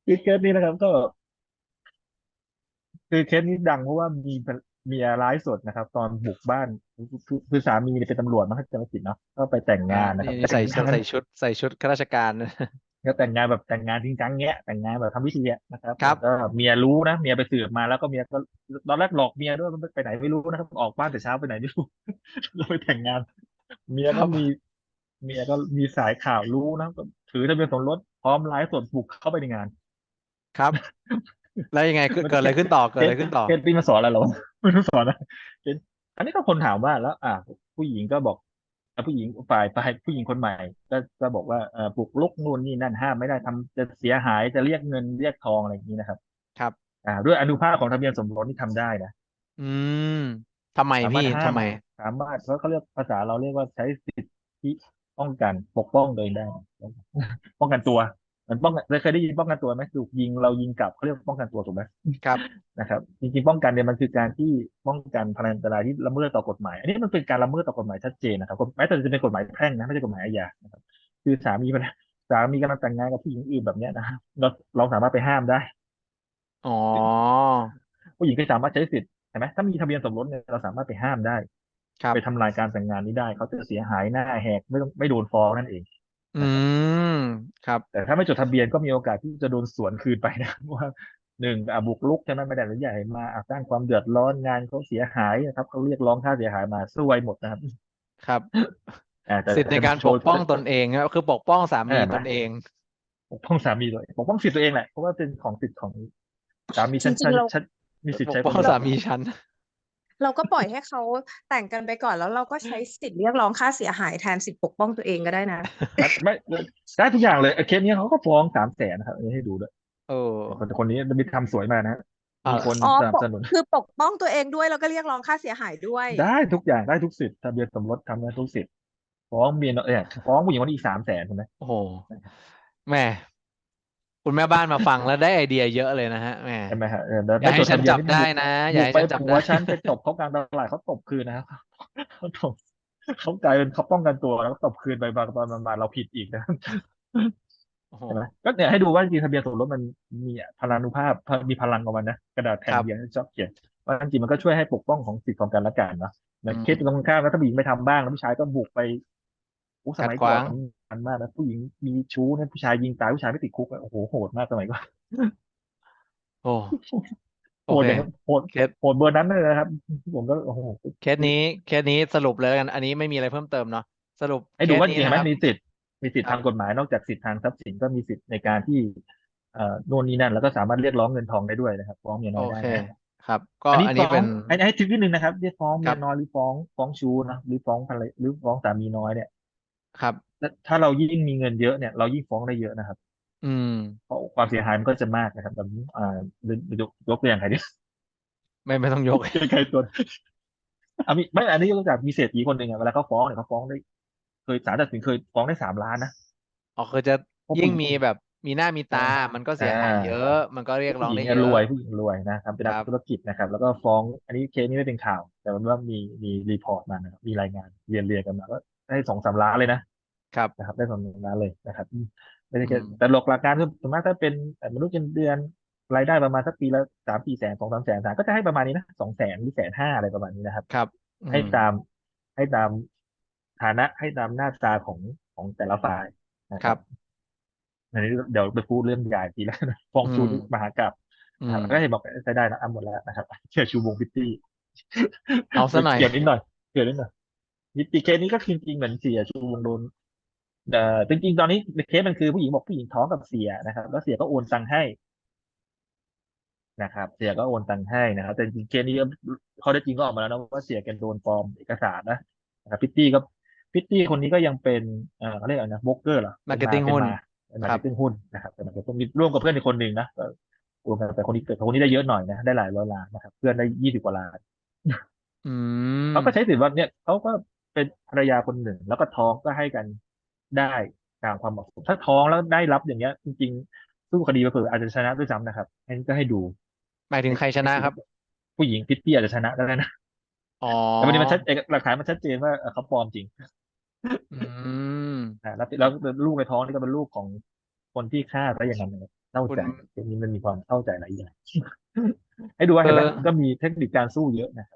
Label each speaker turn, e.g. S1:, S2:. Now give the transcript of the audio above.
S1: คือเคสนี้นะครับก็คือเคสนี้ดังเพราะว่ามีเมียร้ายสดนะครับตอนบุกบ้านคือสามีเนี่ยเป็นตำรวจมั้งถ้าจำไม่ผิดเนาะก็ไปแต่ง
S2: อ่า
S1: งานนะครับ
S2: นี่
S1: แต่งงาน
S2: ใส่ชุดข้าราชการ
S1: ก็แต่งงานแบบแต่งงานจริงจังเงี้ยแต่งงานแบบทำพิธีอะนะครับ
S2: ครับ
S1: แล้วก็เมียรู้นะเมียไปสืบมาแล้วก็เมียก็ตอนแรกหลอกเมียด้วยมันไปไหนไม่รู้นะครับออกบ้านแต่เช้าไปไหนไม่รู้เราไปแต่งงานเมีย
S2: ครับ
S1: ก็มีเมียก็มีสายข่าวรู้นะก็ถือทะเบียนสมรสพร้อมไลฟ์สดบุกเข้าไปในงาน
S2: ครับแล้วยังไงเกิด
S1: มัน
S2: เกิดอะไรขึ้นต่อเกิ
S1: เคส
S2: ดอะไรขึ้นต่อ
S1: เคสนี้มาสอนอะไรเราไม่รู้สอนนะเคสอันนี้ก็คนถามว่าแล้วผู้หญิงก็บอกผู้หญิงฝ่ายผู้หญิงคนใหม่ก็บอกว่าปลุกรุกนู่นนี่นั่นห้ามไม่ได้ทำจะเสียหายจะเรียกเงินเรียกทองอะไรอย่างนี้นะครับ
S2: ครับ
S1: ด้วยอนุภาพของทะเบียนสมรสที่ทำได้นะ
S2: อืมทำไม
S1: สามาร
S2: พี่
S1: ถห้าม
S2: ทำไม
S1: สามารถเขาเรียกภาษาเราเรียกว่าใช้สิทธิป้องกันปกป้องโดยได้ป้องกันตัวเหมือนป้องกันเคยได้ยินป้องกันตัวไหมถูกยิงเรายิงกลับเขาเรียกป้องกันตัวถูกไหม
S2: ครับ
S1: นะครับจริงๆป้องกันเนี่ยมันคือการที่ป้องกันพลันอันตรายที่ละเมิดต่อกฎหมายอันนี้มันเป็นการละเมิดต่อกฎหมายชัดเจนนะครับแม้แต่จะเป็นกฎหมายแพ่งนะไม่ใช่กฎหมายอาญานะครับคือสามีกำลังแต่งงานกับผู้หญิงอื่นแบบเนี้ยนะครับเราสามารถไปห้ามได้
S2: อ๋อ
S1: ผู้หญิงก็สามารถใช้สิทธิ์ใช่ไหมถ้ามีทะเบียนสมรสเนี่ยเราสามารถไปห้ามได้
S2: ครับ
S1: ไปทำลายการแต่งงานนี้ได้เขาจะเสียหายหน้าแหกไม่โดนฟ้องนั่นเอง
S2: อื
S1: นะครับ
S2: มครับ
S1: แต่ถ้าไม่จดทะเบียนก็มีโอกาสที่จะโดนสวนคืนไปนะว่าหนึ่งบุกรุกใช่ไหมไม่ได้อนุญาตให้มาสร้างความเดือดร้อนงานเขาเสียหายนะครับเขาเรียกร้องค่าเสียหายมาซวยหมดนะครับ
S2: ครับ
S1: แต่
S2: สิทธิ์ใน
S1: แต่
S2: การ
S1: โดย
S2: ปกป้องตนเองครับคือปกป้องสามี
S1: เห็นไหม
S2: ตนเอง
S1: ปกป้องสามีตัวเองปกป้องสิทธิ์ตัวเองแหละเพราะว่าเป็นของสิทธิ์ของสามี
S3: จริงๆเรา
S1: ฉันมีสิทธิ์
S2: ปกป้อง
S1: ใช้ความรุนแรง
S2: สามีฉัน
S3: เราก็ปล่อยให้เขาแต่งกันไปก่อนแล้วเราก็ใช้สิทธิ์เรียกร้องค่าเสียหายแทนสิทธิ์ปกป้องตัวเองก็ได้นะ
S1: ไม่ได้ทุกอย่างเลยเคสนี้เขาก็ฟ้อง300,000นะครับอันนี้ให้ดูด้วย
S2: โอ้
S1: คนนี้มีทำสวยมานะ
S2: อ่า
S1: มีคน
S3: อ๋อ
S1: สนับสนุน
S3: คือปกป้องตัวเองด้วยแล้วก็เรียกร้องค่าเสียหายด้วย
S1: ได้ทุกอย่างได้ทุกสิทธิ์ทะเบียนสมรสทำได้ทุกสิทธิ์ฟ้องเมียฟ้องผู้หญิงคนนี้อีก300,000ใช่ไหม
S2: โอ้โหแม่คุณแม่บ้านมาฟังแล้วได้ไอเดียเยอะเลยนะฮะแม่
S1: ใช่ไหมฮะแล้ว
S2: อย่าให้
S1: ได้จดทะเบียน
S2: ฉันจับได้
S1: นี่บุก
S2: นะอย่าให้
S1: ไป
S2: ฉันจับได้
S1: ผัวฉันไปตบเขากลางตลาดเขาตบคืนนะครับเขาตบเขากลายเป็นเขาป้องกันตัวแล้วก็ตบคืนไปบางตอนมาเราผิดอีกนะ
S2: โอ้โห
S1: ใช่ไหมก็เนี่ยให้ดูว่าจริงๆทะเบียนสมรสมันมีพลานุภาพมีพลังของมันนะกระดาษ
S2: ค
S1: แผ่น
S2: รับ
S1: เดียวที่ชอบเขียนว่าจริงๆมันก็ช่วยให้ปกป้องของสิทธิของกันและกันเนาะเหมื
S2: อื
S1: อนเคสตรง
S2: ม
S1: ข้ามแล้วถ้าผู้หญิงไม่ทำบ้างแล้วผู้ชายก็บุกไปสมัย
S2: ขัดขวาง
S1: ก่อนมันมากนะผู้หญิงมีชู้เนี่ยผู้ชายยิงตายผู้ชายไม่ติดคุกอะโอ้โหโหดมากสมัยก่อน
S2: โอ้โอเค
S1: โหดอย่างโหด
S2: เคส
S1: โหดเบอร์นั้นเลยนะครับผมก็โอ้โห
S2: เคสนี้สรุปเลยแล้วกันอันนี้ไม่มีอะไรเพิ่มเติมเนาะสรุปเค
S1: ให้ดูว่าจริงๆเห็นไหม
S2: สนี้นะครับ
S1: มีสิทธิ์
S2: ครับ
S1: ทางกฎหมายนอกจากสิทธิ์ทางทรัพย์สินก็มีสิทธิ์ในการที่โน่นนี่นั่นแล้วก็สามารถเรียกร้องเงินทองได้ด้วยนะครับฟ้องเมีย
S2: โอเค
S1: น้อยได้นะ
S2: ครับก็
S1: อันนี้ฟ้อง
S2: อันนี้เป็น
S1: อันนี้ให้ทริคนิดนึงนะครับที่ฟ้อง
S2: ครับ
S1: เมียน้อยหรือฟ้องชู้นะหรือฟ้องภรรยาหรือฟ้องสามีน้อยเนี่ย
S2: ครับ
S1: ถ้าเรายิ่งมีเงินเยอะเนี่ยเรายิ่งฟ้องได้เยอะนะครับ
S2: อืม
S1: เพราะความเสียหายมันก็จะมากนะครับแบบนี้ยกตัวอย่างใครดิ
S2: ไม่ต้องยก
S1: ใครตัวมีไม่อันนี้ยกตัวอย่างมีเศรษฐีคนหนึ่งอะเวลาเขาฟ้องเนี่ยเขาฟ้องได้เคยศาลตัดสินเคยฟ้องได้3 ล้านนะ
S2: อ๋อคือจะยิ่ง
S1: เพราะผู้หญิง
S2: มีแบบมีหน้ามีตา
S1: อ่า
S2: มันก็
S1: อ่า
S2: เสียหายเยอะมันก็เรียกร้
S1: ผู้หญิง
S2: องได้เยอะ
S1: ผู้หญิงรวยนะครับเป็นนัก
S2: ครับ
S1: ธุรกิจนะครับแล้วก็ฟ้องอันนี้เคสนี้ไม่เป็นข่าวแต่ว่ามีรีพอร์ตมานะครับมีรายงานเรียนกันมาก็ได้2-3 ล้านเลยนะครับได้2-3 ล้านเลยนะครับไม่ใช่แค่
S2: อืม
S1: แต่หลักการคือส่วนมากถ้าเป็นมนุษย์เงินเดือนรายได้ประมาณสักปีละ3-4 แสน2-3 แสนก็จะให้ประมาณนี้นะ200,000หรือ150,000อะไรประมาณนี้นะครับ
S2: ครับอืม
S1: ให้ตามให้ตามฐานะให้ตามหน้าตาของแต่ละฝ่ายนะครับ
S2: ครับ
S1: อันนี้เดี๋ยวไปพูดเรื่องใหญ่ทีแล้วนะฟอง
S2: อืม
S1: ชูนี่มหากาพย์
S2: อืม
S1: นะครับก็เห็นบอกใช้ได้นะหมดแล้วนะครับเชื่อชูวงพิตตี้
S2: เอาซะหน่อย
S1: เกี่ยวนิดหน่อยเกี่ยวนิดหน่อยนิติเคสนี้ก็จริงๆเหมือนเสียชูวงโดนจริงๆตอนนี้เคสมันคือผู้หญิงบอกผู้หญิงท้องกับเสียนะครับแล้วเสียก็โอนตังค์ให้นะครับเสียก็โอนตังค์ให้นะครับแต่จริงๆเคสนี้ข้อเท็จจริงก็ออกมาแล้วนะว่าเสียแกโดนปลอมเอกสารนะครับพิตตี้คนนี้ก็ยังเป็นเขาเรียกอะไรนะโบรกเกอร์เหรอ
S2: มาร์เก็ตติ้งหุ้น
S1: เป็น
S2: ครับ
S1: มาร์เก็ตติ้งหุ้นนะครับเป็นมาร์เก็ตติ้งมีร่วมกับเพื่อนอีกคนหนึ่งนะรวมกันแต่คนนี้ได้เยอะหน่อยนะได้หลายร้อยล้านนะครับเพื่อนได้20 กว่าล้าน
S2: อืม
S1: เขาก็ใช้สิทธิ์ว่าเนี่ยเขาก็เป็นภรรยาคนหนึ่งแล้วก็ท้องก็ให้กันได้ตามความเหมาะสมถ้าท้องแล้วได้รับอย่างเงี้ยจริงๆสู้คดีไปเผื่ออาจจะชนะด้วยซ้ำนะครับอันนี้ก็ให้ดู
S2: หมายถึงใครชนะครับ
S1: ผู้หญิงพิตตี้อาจจะชนะได้นะ
S2: อ๋อ
S1: แต่ประเด็นมันหลักฐานมันชัดเจนว่าเขาปลอมจริง
S2: อืม
S1: แล้วลูกในท้องนี่ก็เป็นลูกของคนที่ฆ่าซะอย่างนั้นเลยเศร้า
S2: คุณ
S1: ใจเรื่องนี้มันมีความเศร้าใจหลายอย่าง ให้ดูว่า
S2: เอ
S1: เห็นไหม
S2: อ
S1: ก็มีเทคนิคการสู้เยอะนะครับ